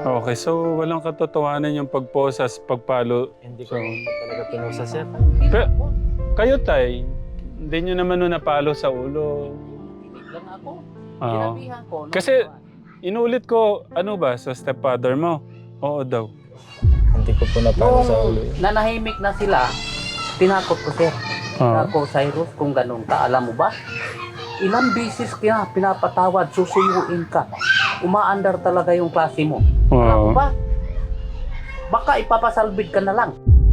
Okay, so walang katotohanan yung pagposas, pagpalo. Hindi ko So, naman po talaga pinusa, sir. kayo, Tay, hindi nyo naman nun napalo sa ulo. Tinig lang ako. Oo. Sinabihan ko. Kasi, inulit ko, ano ba, sa stepfather mo? Oo daw. Hindi ko po napalo sa ulo yun. nanahimik na sila, tinakot ko, sir. Oo. Ako, Cyrus, kung ganun ka, alam mo ba? Ilang bisis kaya pinapatawad, susuyuin ka. Umaandar talaga yung klase mo. Alam mo Oo. ba? Baka ipapasalbid ka na lang.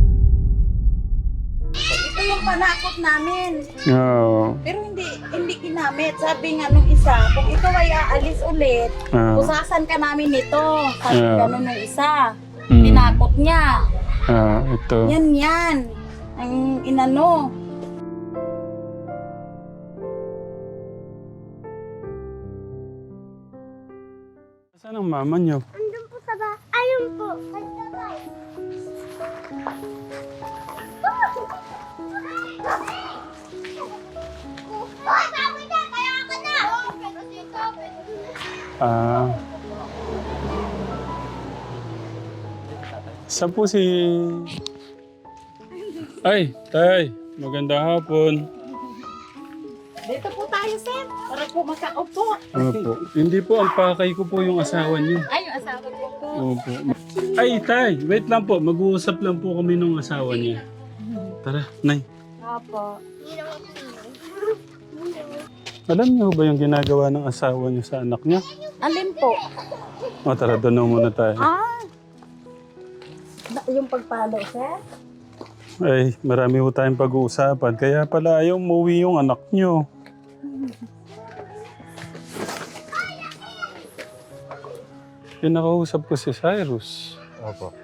Ito yung panakot namin. Oo. Pero hindi ginamit. Sabi nga nung isa, kung ikaw ay aalis ulit, Oo. pusasan ka namin nito. Sabi Yeah. ganun nung isa. Mm. Tinakot niya. Ito. Yan. Ang inano. Saan ang mama nyo? Andun po sa ba? Ayun po. Nagtabay. Hoy, baboy na! Kaya ka na! Ah. Saan po si... Ay, Tay. Maganda hapon. Dito po tayo, sir. Para po makaupo. Opo. Hindi po, ang pakay ko po yung asawa niyo. Ay, yung asawa ko po. Opo. Ay, Tay. Wait lang po. Mag-uusap lang po kami nung asawa niya. Tara, Nay. Opo. Alam niyo ba yung ginagawa ng asawa niyo sa anak niya? Alin po? O, tara, doon na muna tayo. Yung pagpalo, sir? Ay, marami po tayong pag-uusapan. Kaya pala ayaw umuwi yung anak niyo. Pinakausap ko si Cyrus. Opo.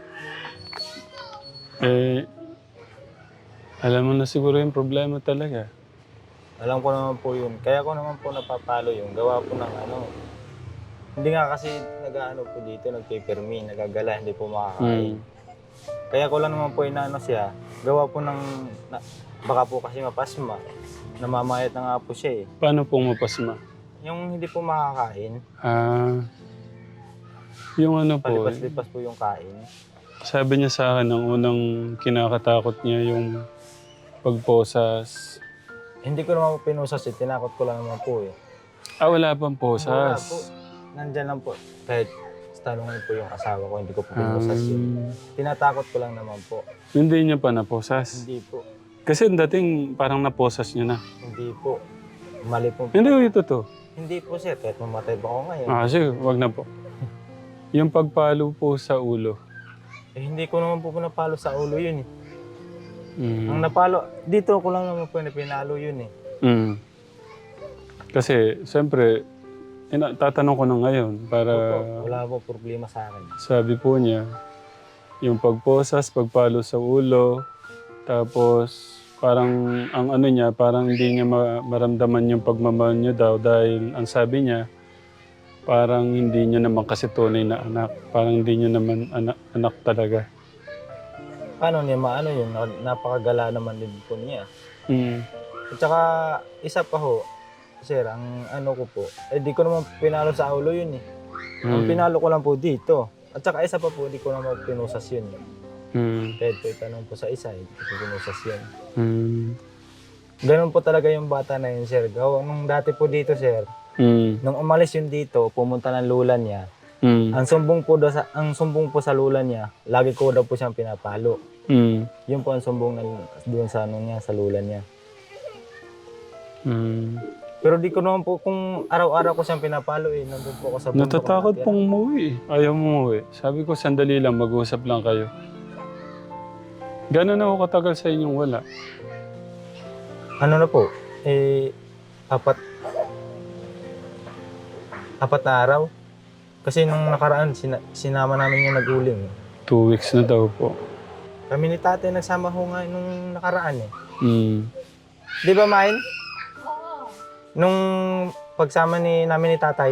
Alam mo na siguro yung problema talaga. Alam ko naman po yun. Kaya ko naman po napapalo yung gawa po ng ano. Hindi nga kasi nag-ano po dito, nagpipirmi, nagagala, hindi po makakain. Kaya ko lang naman po inaano siya. Gawa po ng, baka po kasi mapasma. Namamayat na nga po siya eh. Paano pong mapasma? Yung hindi po makakain, Yung ano po, palipas-lipas po yung kain. sabi niya sa akin, ang unang kinakatakot niya yung pagposas. Hindi ko naman po pinusas eh, tinakot ko lang naman po eh. Wala pang Wala po. posas. Nandyan lang po. Kahit tanongin po yung asawa ko, hindi ko po pinusas yun. Tinatakot ko lang naman po. Hindi niya pa naposas. Hindi po. Kasi dating parang naposas niya na. Hindi po. Mali po. Hindi ko ito to. Hindi po sir, kahit mamatay pa ako ngayon. Sige, wag na po. Yung pagpalo po sa ulo. Eh, hindi ko naman po napalo sa ulo yun eh. Ang Mm. napalo, dito ko lang naman po na pinalo yun eh. Mm. Kasi, siyempre, tatanong ko na ngayon para Wala po problema sa akin. sabi po niya, yung pagposas, pagpalo sa ulo, tapos parang ang ano niya, parang hindi niya maramdaman yung pagmamahal niya daw dahil ang sabi niya, parang hindi niya naman kasi tunay na anak. Parang hindi niya naman anak talaga. Paano niya maano yun? Napakagala naman din po niya. Mm. At saka, isa pa ho, sir, ang ano ko po, di ko naman pinalo sa ulo yun eh. Ang pinalo ko lang po dito. At saka isa pa po, di ko naman pinusas yun eh. Kahit po itanong po sa isa, hindi ko pinusas yun. Ganun po talaga yung bata na yun, sir. Nung dati po dito, sir, nung umalis yun dito, pumunta ng lula niya. Ang sumbong po sa lula niya, lagi ko daw po siyang pinapalo. Yun po ang sumbong doon sa ano niya, sa lula niya. Pero di ko naman po kung araw-araw ko siyang pinapalo eh. Nandun po ako sa bundok. Natatakot nakatira. pong umuwi. Ayaw mo umuwi. Sabi ko, sandali lang, mag-usap lang kayo. Gano'n na ako katagal sa inyong wala? Ano na po? Apat na araw. Kasi nung nakaraan, sinama namin yung nag-uling. 2 weeks na daw po. Kami ni tatay nagsama ho nga nung nakaraan eh. Mm. Di ba, Main? Nung pagsama namin ni tatay,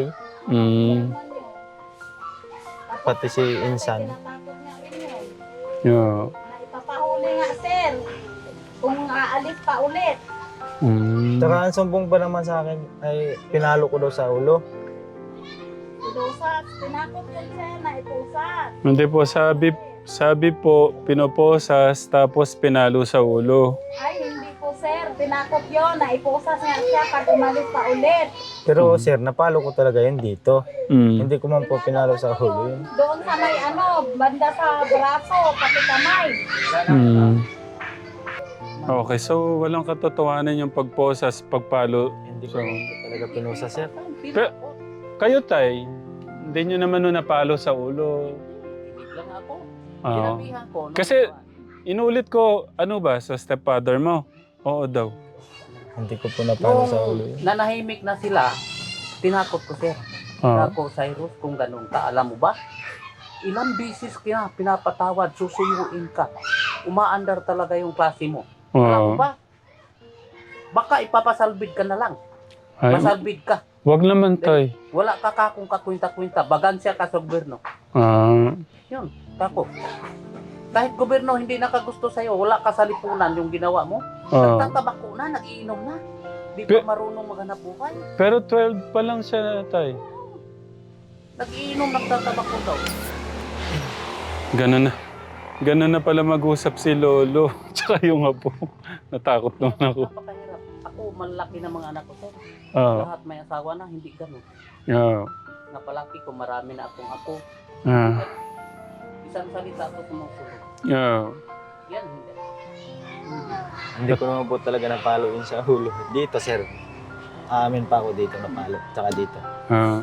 pati si Insan. Tinatakot nga rin yun. Yeah. Na ipapahuli nga, sir. Kung aalis pa ulit. Tsaka ang sumbong pa naman sa akin ay pinalo ko daw sa ulo. Dosas. Tinakot yun sir na ipusas. Hindi po, sabi po, pinoposas tapos pinalo sa ulo. Ay, hindi po sir. Tinakot yun na ipusas nga siya pag umalis pa ulit. Pero sir, napalo ko talaga yun dito. Mm. Hindi ko man po pinalo sa hulo yun. Doon sa may banda sa braso, pati kamay. Mm. Okay, so walang katotohanan yung pagposas, pagpalo. Hindi ko talaga pinusa sir. Kayo tay, hindi nyo naman nun napalo sa ulo. Ibig lang ako. Oo. Sinabihan ko. no? Kasi inulit ko, ano ba, sa stepfather mo? Oo daw. Hindi ko po napalo sa hulo Nung yun. nanahimik na sila, tinakot ko sir. Ah. Ako, Cyrus, kung ganun ka, alam mo ba? Ilang bisis kaya pinapatawad, susuyuin ka. Umaandar talaga yung klase mo. Alam mo Oo. ba? Baka ipapasalbid ka na lang. Ay, Pasalbid ka. wag naman tay. Wala ka kakong kakwinta-kwinta. Bagansya ka sa gobyerno. Ah. Yun, kako. Kahit gobyerno hindi nakagusto sa'yo, wala ka sa lipunan yung ginawa mo. Ah. Nagtatabako na, nag-iinom na. Di Pe- pa marunong maghanap buhay. Pero 12 pa lang siya tay. Nag-iinom, nagtatabako daw. Ganun na. Ganun na pala mag-usap si Lolo. Tsaka yung apo. Natakot naman ako. Napakahirap. Ako, malaki na mga anak ko, sir. Ah. Lahat may asawa na, hindi ganun. Yeah. Napalaki ko, marami na akong ako. Ah. Isang salita ako sumusunod. Yeah. Yan, hindi. Hindi ko naman po talaga napalo yun sa hulo. Dito sir. Amin pa ako dito napalo. Tsaka dito. Ah.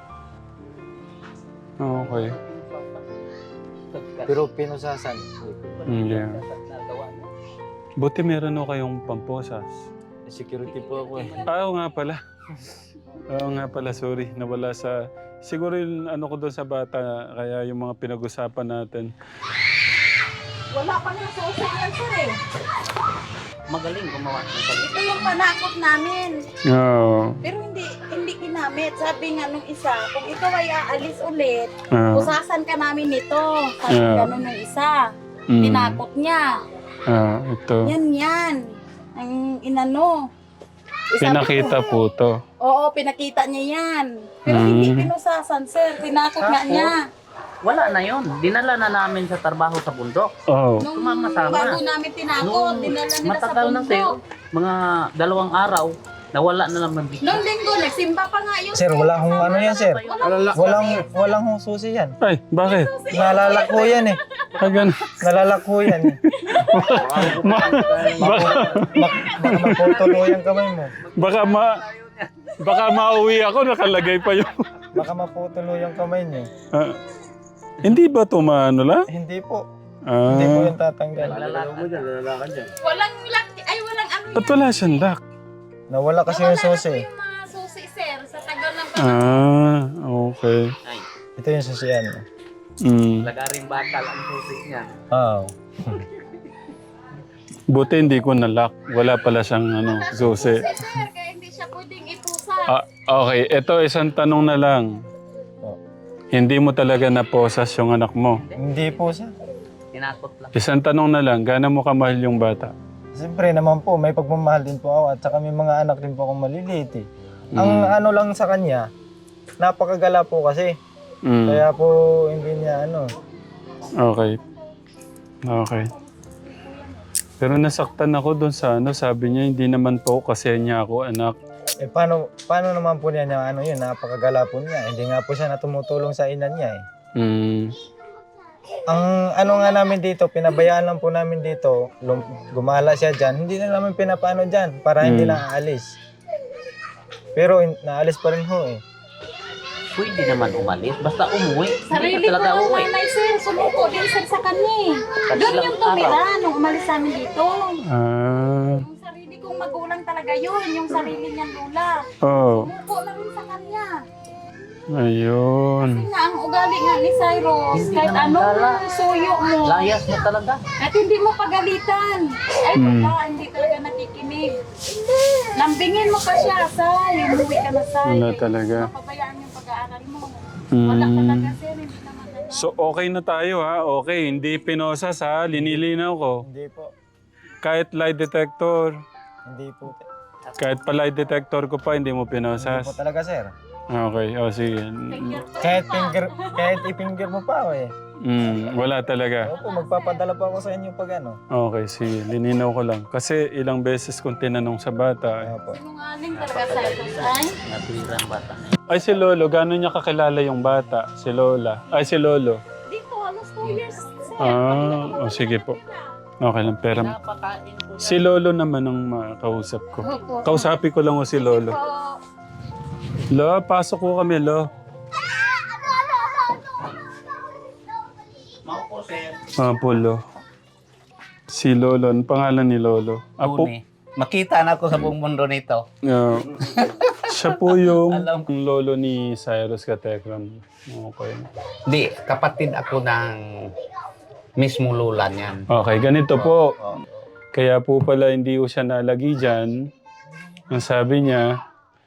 Okay. Pero pinusasan. Yeah. Nagawa niya. Buti meron o kayong pamposas. Security po ako eh. Oo nga pala. Oo nga pala, sorry. Nawala sa... Siguro yung ano ko doon sa bata, kaya yung mga pinag-usapan natin. Wala pa nga susi yan sir eh. Magaling gumawa ng salita. Ito yung panakot namin. Oo. Pero hindi ginamit. Sabi nga nung isa, kung ikaw ay aalis ulit, Ah. pusasan ka namin nito. Sabi Yeah. ganun nung isa. Mm. Tinakot niya. Ito. Yan. Ang inano. Sabi Pinakita ko, po to. Oo, pinakita niya yan. Pero hindi pinusasan, sir. Tinakot nga Tapos? niya. Wala na yon. Dinala na namin sa trabaho sa bundok. Oo. Nung Sumama-sama. bago namin tinakot, Nung dinala nila sa matagal na bundok. sir, mga 2 araw, nawala na naman dito. Nung linggo, nagsimba pa nga yun. Sir, wala akong ano yan sir. Walang hong susi yan. Ay, bakit? Nalalako yan eh. Ah, ganun. Nalalako yan eh. Baka, Baka maputulo yung kamay mo. baka mauwi ako, nakalagay pa yung... Baka maputulo yung kamay niyo. Ah, hindi ba ito maano lang? Hindi po. Hindi po Ah, yung tatanggal. Walang lock, ay walang ano ba't wala siyang lock? Nawala kasi yung susi. yung mga susi, sir, sa tagal ng Ah, okay. Ay, Ito yung susiyan. Mm. lagaring bakal ang susi niya. Oo. Buti hindi ko na-lock. Wala pala siyang susi. sir, kaya hindi siya pwedeng ipusa. Ah, okay, ito isang tanong na lang. Oh. Hindi mo talaga naposas yung anak mo. Hindi po siya. Tinakot lang. Isang tanong na lang, gaano mo kamahal yung bata? Siyempre naman po, may pagmamahal din po ako at saka may mga anak din po akong maliliit eh. Ang ano lang sa kanya, napakagala po kasi. Mm. Kaya po hindi niya ano. Okay. Okay. Pero nasaktan ako doon sa sabi niya, hindi naman po kasi niya ako anak. Eh paano naman po niya yun, napakagala po niya. Hindi nga po siya na tumutulong sa ina niya eh. Mm. Ang ano nga namin dito, pinabayaan lang po namin dito, gumala siya dyan, hindi na namin pinapaano dyan para hindi na aalis. Pero naalis pa rin ho eh. Pwede naman umalis, basta umuwi. Sarili Hindi ko ka talaga ng uwi. nanay, sir. Sumuko din, sir, sa kanya eh. Doon yung tumira nung umalis namin dito. Ah. Yung sarili kong magulang talaga yun. Yung sarili niyang lula. Oh. Sumuko na rin sa kanya. Ayun. Kasi nga, ang ugali nga ni Cyrus, Hindi kahit naman anong gala. suyo mo, Layas mo talaga. at hindi mo pagalitan. Ay, wala, hindi talaga nakikinig. Lambingin mo pa siya, Say. Umuwi ka na, Say. Wala talaga. Mapabayaan yung pag-aaral mo. Wala talaga, sir. Hindi naman ganyan. So okay na tayo ha? Okay, hindi pinosas ha? Linilinaw ko. Hindi po. Kahit lie detector, Hindi po. kahit pa lie detector ko pa, hindi mo Hindi pinosas. po talaga sir. Okay, o sige. Kahit i-finger mo pa ako eh. Wala talaga. Opo, magpapadala pa ako sa inyo pag ano. Okay, sige. Lininaw ko lang. Kasi ilang beses kong tinanong sa bata. Opo. Sinungaling talaga sa ay. Natira ang bata na yun. Ay, si Lolo, gano'n niya kakilala yung bata? Si Lola. Ay, si Lolo. Dito, halos 2 years. Sir. O sige po. Okay lang, pero Pinapakain ko si Lolo naman ang makausap ko. Opo. Kausapin ko lang o si Lolo. Lo, pasok ko kami, Lo. Maupo, sir. Lo. Si Lolo, ang pangalan ni Lolo? Apo. Tuni. Makita na ako sa buong mundo nito. Siya po yung Alam lolo ni Cyrus Katekram. Okay. Di, kapatid ako ng mismo lula niyan. Okay, ganito po. Oh. Kaya po pala hindi ko siya nalagi dyan. Ang sabi niya,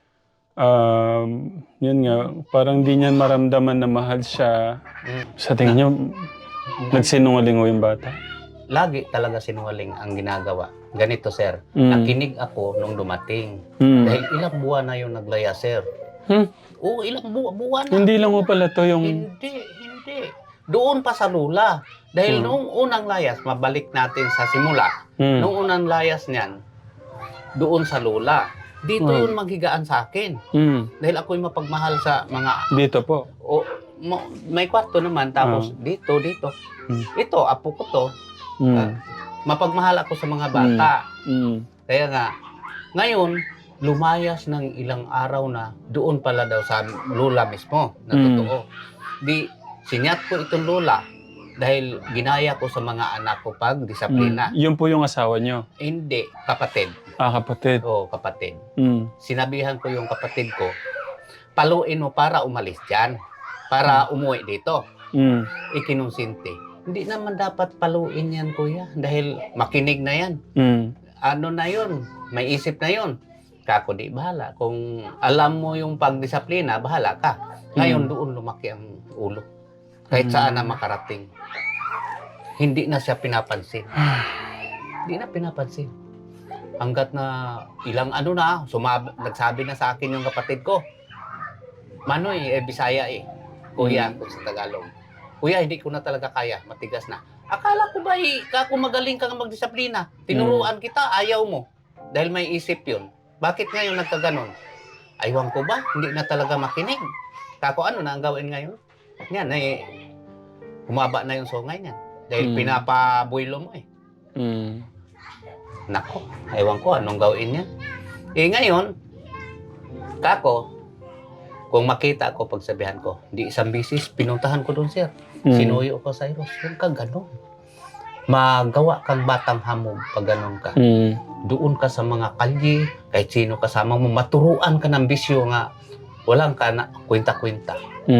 yun nga, parang di niya maramdaman na mahal siya. Sa tingin niyo, nagsinungaling ho yung bata? Lagi talaga sinungaling ang ginagawa. Ganito, sir. Mm. Nakinig ako nung dumating. Hmm. Dahil ilang buwan na yung naglaya, sir. Oo, ilang buwan na. Hindi lang ho pala to yung... Hindi. Doon pa sa lula. Dahil noong unang layas, mabalik natin sa simula. Noong unang layas niyan, doon sa lula. Dito yun maghigaan sa akin. Dahil ako'y mapagmahal sa mga... Dito po. May kwarto naman, tapos dito. Ito, apo ko to. Mapagmahal ako sa mga bata. Kaya nga, ngayon, lumayas ng ilang araw na doon pala daw sa lula mismo, na totoo. Di, sinyat ko itong lula dahil ginaya ko sa mga anak ko pag disiplina. Yun po yung asawa niyo? Hindi, kapatid. Kapatid. Oo, kapatid. Mm. Sinabihan ko yung kapatid ko, paluin mo para umalis dyan, para umuwi dito. Ikinonsinti. Hindi naman dapat paluin yan, kuya, dahil makinig na yan. Ano na yun? May isip na yun. Kako di bahala. Kung alam mo yung pagdisiplina, bahala ka. Ngayon doon lumaki ang ulo. Kahit saan na makarating. Hindi na siya pinapansin. Hindi na pinapansin. Hanggat na ilang ano na, nagsabi na sa akin yung kapatid ko. Manoy, Bisaya eh. Kuya, kung sa Tagalog. Kuya, hindi ko na talaga kaya. Matigas na. Akala ko ba, kung magaling kang magdisiplina, tinuruan kita, ayaw mo. Dahil may isip yun. Bakit ngayon nagkaganon? Aywan ko ba? Hindi na talaga makinig. Kako, ano na ang gawin ngayon? Yan, humaba na yung sungay niyan. Dahil pinapabuilo mo eh. Nako, aywan ko, anong gawin niya? Ngayon, kako, kung makita ko, pagsabihan ko, hindi isang bisis, pinuntahan ko doon, sir. Sinuyo ko sa Cyrus, huwag kang ganon. Magawa kang batang hamog pag ganon ka. Doon ka sa mga kalye, kahit sino kasama mo, maturuan ka ng bisyo nga, walang ka na kwenta-kwenta.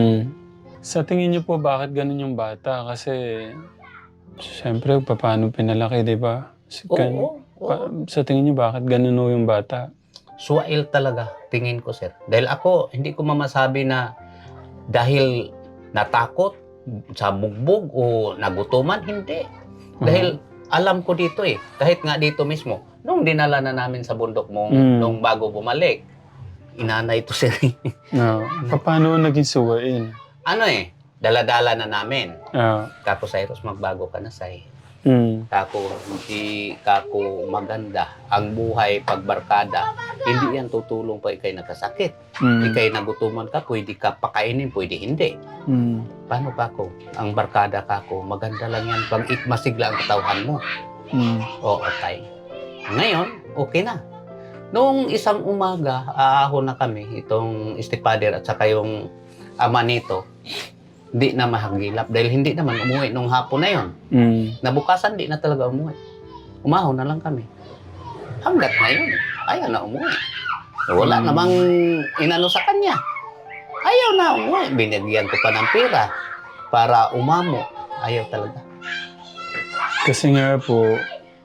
Sa tingin niyo po, bakit ganun yung bata? Kasi, siyempre, paano pinalaki, di ba? Oo. Sa tingin niyo, bakit ganun ho yung bata? Suwail talaga, tingin ko, sir. Dahil ako, hindi ko mamasabi na dahil natakot sa bugbog o nagutuman, hindi. Dahil alam ko dito eh, kahit nga dito mismo, nung dinala na namin sa bundok mo, nung bago bumalik, inanay ito, sir. Paano naging suwain? Ano eh, dala-dala na namin. Kako, Cyrus, magbago ka na, say. Kako, hindi kako maganda. Ang buhay pagbarkada, hindi yan tutulong pa ikay nakasakit. Ikay nagutuman ka, pwede ka pakainin, pwede hindi. Paano kako? Ang barkada kako, maganda lang yan pag masigla ang katawan mo. Oo, tay. Ngayon, okay na. Noong isang umaga, aahon na kami, itong stepfather at saka yung ama nito, di na mahagilap dahil hindi naman umuwi nung hapon na yon. Nabukasan di na talaga umuwi. Umahon na lang kami. Hanggat ngayon, ayaw na umuwi. Wala namang inano sa kanya. Ayaw na umuwi. Binigyan ko pa ng pera para umamo. Ayaw talaga. Kasi nga po,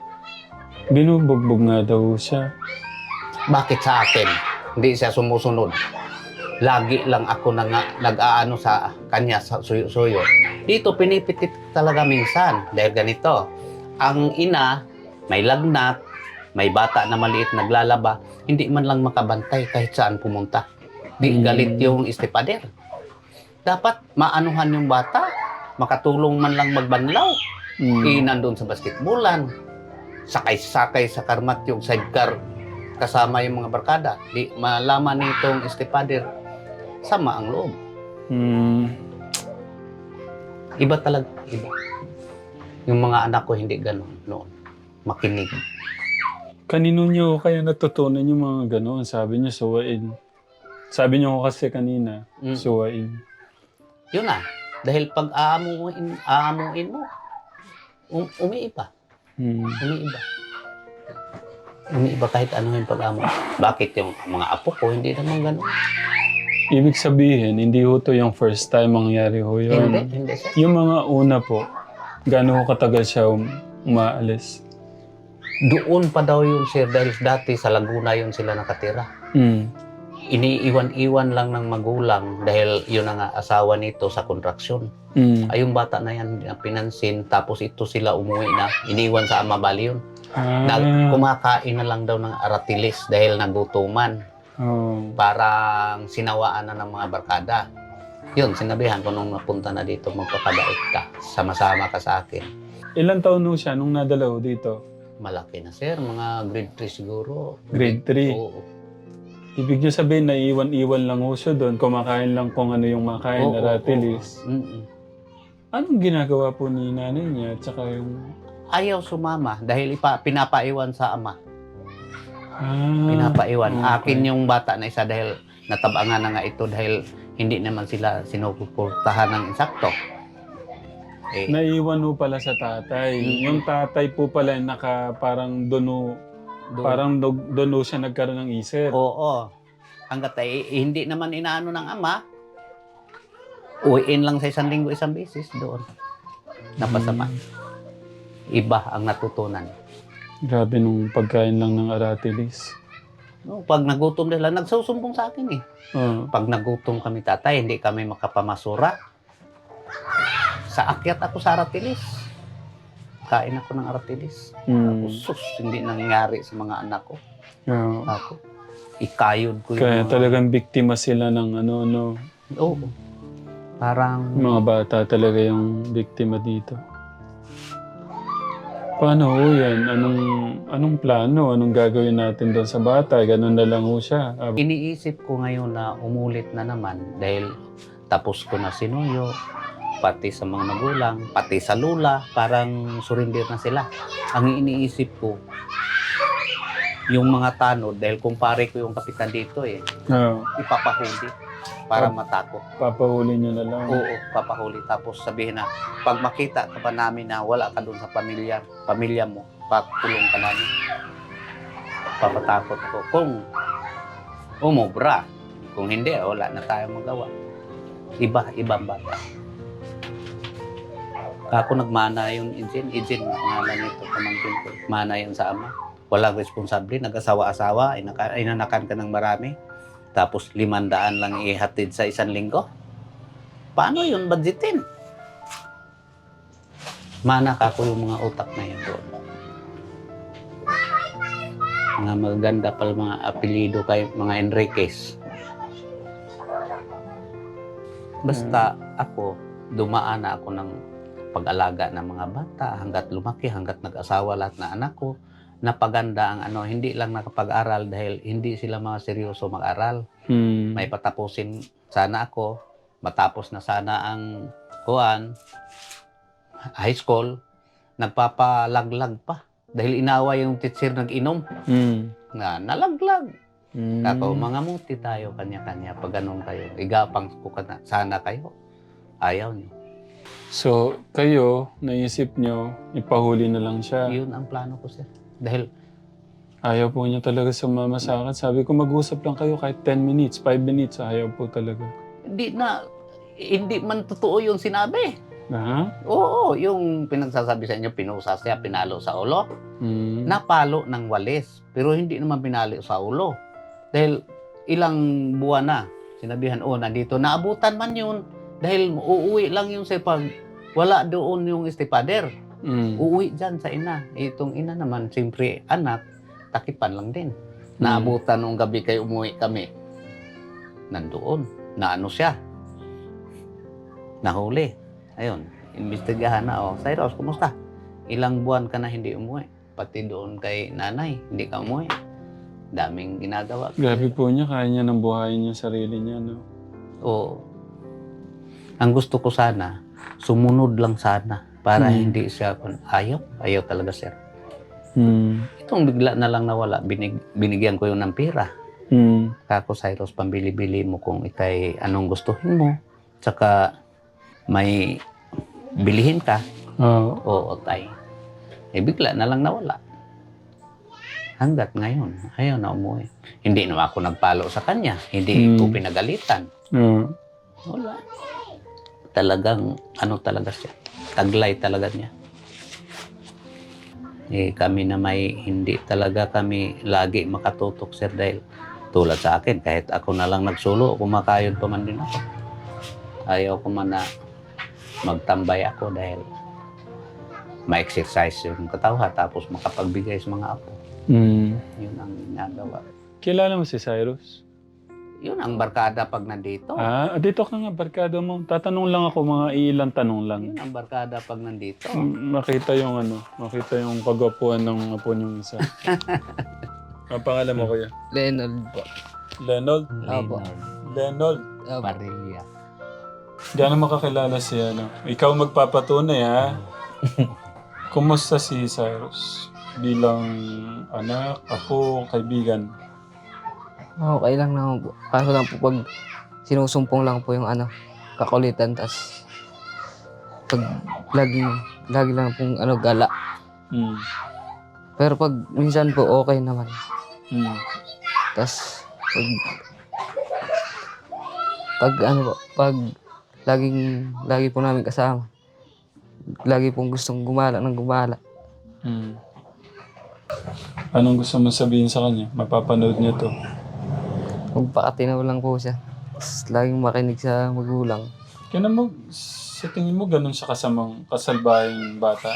binubugbog nga daw siya. Bakit sa akin? Hindi siya sumusunod. Lagi lang ako nag-aano sa kanya sa suyo-suyo. Dito pinipitit talaga minsan dahil ganito. Ang ina may lagnat, may bata na maliit naglalaba, hindi man lang makabantay kahit saan pumunta. Di galit yung stepfather. Dapat maanuhan yung bata, makatulong man lang magbanlaw. Nandun sa basketballan, sakay-sakay sa karmat yung sidecar kasama yung mga barkada. Di malaman nitong stepfather, sama ang loob. Iba talaga, iba. Yung mga anak ko hindi ganun noon. Makinig. Kanino niyo kaya natutunan yung mga gano'n? Sabi niyo, suwain. Sabi niyo kasi kanina, suwain. Yun na. Dahil pag aamuin mo, umiiba. Umiiba. Umiiba kahit ano yung pag-amo. Bakit yung mga apo ko, hindi naman ganun. Ibig sabihin, hindi ho to yung first time mangyari ho yun. Hindi sir. Yung mga una po, gaano ho katagal siya umaalis? Doon pa daw yun sir, dahil dati sa Laguna yun sila nakatira. Iniiwan-iwan lang ng magulang dahil yun ang asawa nito sa kontraksyon. Ay yung bata na yan, pinansin, tapos ito sila umuwi na, iniiwan sa ama bali yun. Kumakain na lang daw ng aratilis dahil nagutuman. Parang sinawaan na ng mga barkada. Yun, sinabihan ko nung napunta na dito, magpapabait ka, sama-sama ka sa akin. Ilan taon ho siya nung nadala ho dito? Malaki na sir, mga grade 3 siguro. Grade 3? Oo. Ibig niyo sabihin, naiiwan-iwan lang ho siya doon, kumakain lang kung ano yung makain, aratilis. Anong ginagawa po ni nanay niya? Tsaka yung... Ayaw sumama dahil pinapaiwan sa ama. Pinapaiwan. Akin yung bata na isa dahil natabangan na nga ito dahil hindi naman sila sinusuportahan ng insakto. Naiiwan ho pala sa tatay. Yung tatay po pala parang doon ho siya nagkaroon ng isip. Oo. Hanggat hindi naman inaano ng ama, uwiin lang sa isang linggo, isang beses doon. Napasama. Iba ang natutunan. Grabe nung pagkain lang ng aratilis. No, pag nagutom nila, nagsusumbong sa akin eh. Pag nagutom kami tatay, hindi kami makapamasura. Sa akyat ako sa aratilis. Kain ako ng aratilis. Sus, hindi nangyari sa mga anak ko. Ako, ikayod ko yung Kaya talagang biktima sila ng ano. Oo. Parang... Mga bata talaga yung biktima dito. Paano ho yan? Anong plano? Anong gagawin natin doon sa bata? Ganun na lang ho siya. Iniisip ko ngayon na umulit na naman dahil tapos ko na sinuyo, pati sa mga magulang, pati sa lula, parang surrender na sila. Ang iniisip ko, yung mga tanod, dahil kumpare ko yung kapitan dito ipapahuli para matakot. Papahuli nyo na lang. Oo, papahuli. Tapos sabihin na, pag makita ka pa namin na wala ka doon sa pamilya mo, pakulong ka namin. Papatakot ko. Kung umubra, kung hindi, wala na tayong magawa. Ibang bata. Ako nagmana yung Ijin, pangalan nito, pamangkin ko. Mana yan sa ama. Walang responsable, nag-asawa-asawa, inanakan ka ng marami. Tapos 500 lang ihatid sa isang linggo. Paano yun budgetin? Manak ako yung mga utak na yun doon. Mga maganda pala mga apelido kay mga Enriquez. Basta ako, dumaan na ako ng pag-alaga ng mga bata hanggat lumaki, hanggat nag-asawa lahat na anak ko. Napaganda ang hindi lang nakapag-aral dahil hindi sila mga seryoso mag-aral. May patapusin sana ako, matapos na sana ang high school, nagpapalaglag pa. Dahil inawa yung teacher nag-inom. Nalaglag. Ako, mga muti tayo, kanya-kanya. Pag ganun kayo, igapang ko sana kayo. Ayaw niyo. So, kayo, naisip nyo, ipahuli na lang siya. Yun ang plano ko, sir. Dahil ayaw po niya talaga sumama sa akin. Sabi ko, mag-usap lang kayo kahit 10 minutes, 5 minutes. Ayaw po talaga. hindi man totoo yung sinabi. Oo, yung pinagsasabi sa inyo, pinusa siya, pinalo sa ulo. Napalo ng walis, pero hindi naman pinalo sa ulo. Dahil ilang buwan na, sinabihan, nandito, naabutan man yun. Dahil uuwi lang yung pag wala doon yung stepfather. Uuwi dyan sa ina. Itong ina naman, siyempre anak, takipan lang din. Naabutan nung gabi kayo umuwi kami. nandoon. Na ano siya. Nahuli. Ayun, imbestigahan na. Oh, Cyrus, kumusta? Ilang buwan ka na hindi umuwi. Pati doon kay nanay, hindi ka umuwi. Daming ginagawa. Grabe po niya, kaya niya nang buhayin yung sarili niya, no? Oo. Ang gusto ko sana, sumunod lang sana. Para hindi siya, ayaw talaga sir. Itong bigla na lang nawala, binigyan ko yun ng pera. Kako, Cyrus, pambili-bili mo kung ikay anong gustuhin mo. Tsaka may bilihin ka. Oo, tay. Eh, bigla na lang nawala. Hanggat ngayon, ayaw na umuwi. Hindi naman ako nagpalo sa kanya. Hindi ko pinagalitan. Wala. Talagang, ano talaga siya. Taglay talaga niya. Eh, kami na may hindi talaga kami lagi makatutok, sir, dahil tulad sa akin, kahit ako na lang nagsulo, kumakayod pa man din ako. Ayaw ko man na magtambay ako dahil ma-exercise yung katawan tapos makapagbigay sa mga apo. Yun ang ginagawa. Kilala mo si Cyrus? Yun ang barkada pag nandito. Dito ka nga, barkada mo. Tatanong lang ako, mga ilang tanong lang. Yun ang barkada pag nandito. Makita yung pagwapuan ng apo niyong isa. Ang pangalan mo, kuya? Lenold po. Lenold? Opo. Lenold. Opo. Barilla. Gano'n makakilala siya, no? Ikaw magpapatunay, ha? Kumusta si Cyrus? Bilang anak, apo, kaibigan? Okay lang naman po. Kaso lang po pag sinusumpong lang po yung kakulitan, tas pag lagi lang pong gala. Pero pag minsan po okay naman. Tas pag lagi po namin kasama. Lagi pong gustong gumala ng gumala. Anong gusto mo sabihin sa kanya? Mapapanood niya to. Magpakatinaw lang po siya. Tas laging makinig sa magulang. Kaya mo, sa tingin mo, ganun siya kasalbahing bata?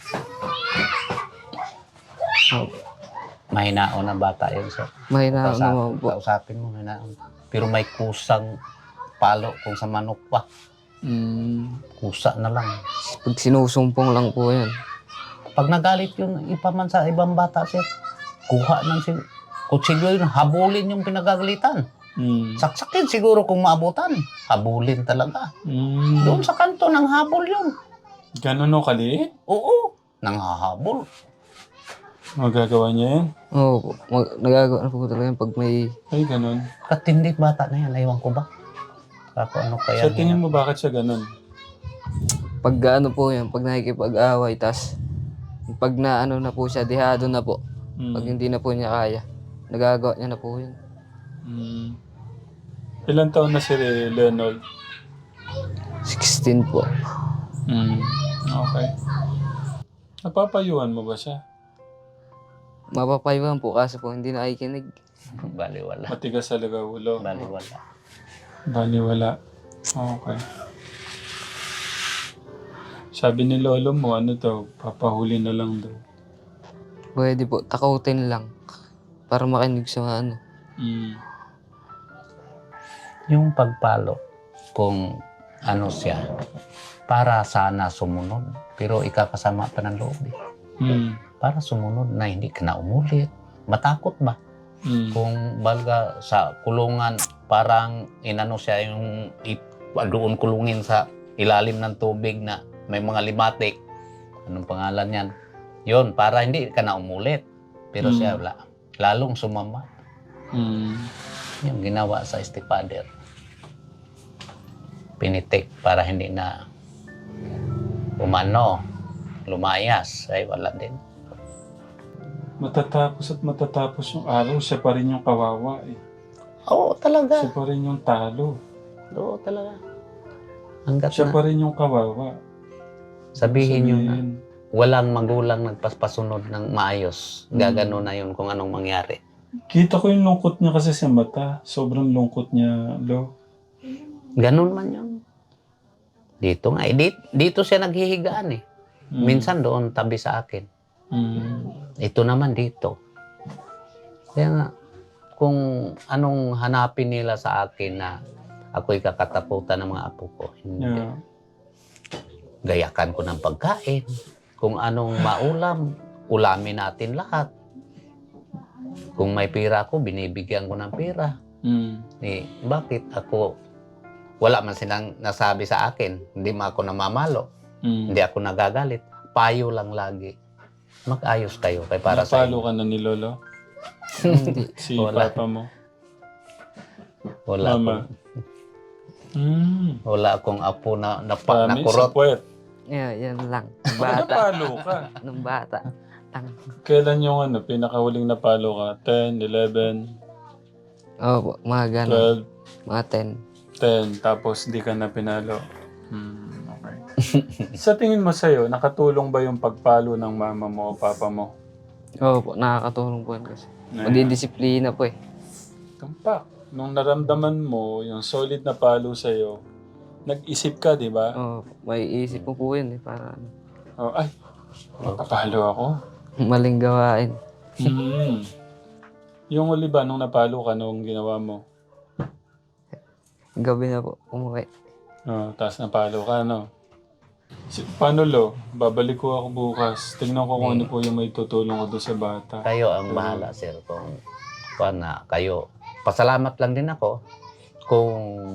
Mahinaon na bata yun, sir. Mahina naman po. Kausapin mo, mahinaon. Pero may kusang palo kung sa manok pa. Kusa na lang. Pag sinusumpong lang po yan. Pag nagalit yun, ipaman sa ibang bata, sir, kuha ng kutsilyo yun, habulin yung pinagagalitan. Saksakin siguro kung maabutan. Habulin talaga. Doon sa kanto, nang habol yun. Ganun o kaliit? Oo, nang hahabol. Magagawa niya yan? Oo, nagagawa na po talaga yan pag may... Ay, ganun. Katindi bata na yan, naiwan ko ba? Kako, ano kaya? Sa tingin mo, bakit siya ganun? Pag po yan, pag nakikipag-away, tas pag na na po siya, dehado na po. Pag hindi na po niya kaya, nagagawa niya na po yun. Ilan taon na si Lenold? 16 po. Okay. Napapayuhan mo ba siya? Mapapayuhan po kasi po hindi na nakikinig. Baliwala. Matigas talaga ulo. Baliwala. Baliwala. Okay. Sabi ni lolo mo, papahuli na lang daw. Pwede po, takutin lang. Para makinig sa Yung pagpalo, kung siya, para sana sumunod. Pero ikakasama pa ng loob. Para sumunod na hindi ka na umulit. Matakot ba? Kung balga sa kulungan, parang siya yung doon kulungin sa ilalim ng tubig na may mga limatik. Anong pangalan yan? Yun, para hindi ka na umulit. Pero siya lalong sumama. Yung ginawa sa stepfather. Pinitik para hindi na lumayas. Ay wala din. Matatapos yung araw, siya pa rin yung kawawa eh. Oo, talaga. Siya pa rin yung talo. Oo, talaga. Hanggat Siya na. pa rin yung kawawa. Sabihin nyo na, walang magulang nagpasunod ng maayos. Gagano na yun kung anong mangyari. Kita ko yung lungkot niya kasi sa mata. Sobrang lungkot niya, Lo. Ganun man yun. Dito nga. Dito siya naghihigaan eh. Minsan doon tabi sa akin. Ito naman dito. Kaya nga, kung anong hanapin nila sa akin na ako'y kakatakutan ng mga apo ko. Hindi. Yeah. Gayakan ko ng pagkain. Kung anong maulam, ulamin natin lahat. Kung may pera ako, binibigyan ko ng pera. Bakit ako, wala man silang nasabi sa akin, hindi man ako namamalo, hindi ako nagagalit, payo lang lagi. Mag-ayos kayo kay para sa Napalo inyo. ka na ni Lolo? Hindi. Si Wala. Papa mo? Wala Mama? wala akong apo na Promise? kurot. Sa puwet? Yeah, yan lang. Nung Baka bata. napalo ka. Nung bata. Kailan yung pinakahuling napalo ka? 10, 11, Opo, mga gano'n. 12, Mga 10, tapos di ka na pinalo. Okay. Sa tingin mo sa'yo, nakatulong ba yung pagpalo ng mama mo o papa mo? 10. Opo, nakakatulong po yan kasi. Na- Madidisiplina po eh. Tumpak. Nung naramdaman mo yung solid na palo sa'yo, nag-isip ka, di ba? Opo, may isip po po yun eh. Para ano, Oh, ay, napalo ako. maling gawain. Yung uli ba, nung napalo ka, nung ginawa mo? Gabi na po, umuwi. Oh, tapos napalo ka, no? Paano, Lo? Babalik ko ako bukas. Tingnan ko kung ano po yung may tutulong ko doon sa bata. Kayo ang bahala, sir. Kung na kayo. Pasalamat lang din ako kung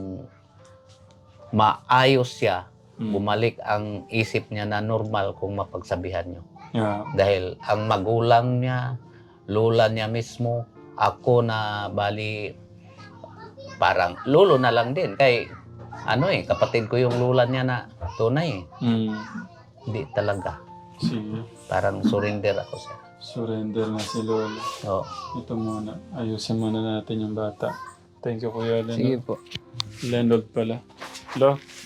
maayos siya, bumalik ang isip niya na normal kung mapagsabihan niyo. Yeah. Dahil ang magulang niya, lola niya mismo, ako na bali parang lolo na lang din. Kay kapatid ko yung lola niya na tunay. Hindi talaga. Sige. Parang surrender ako siya. Surrender na si Lola. Oo. Ito muna. Ayusin muna natin yung bata. Thank you, Kuya Leonard. Sige po. Leonard pala. Lo,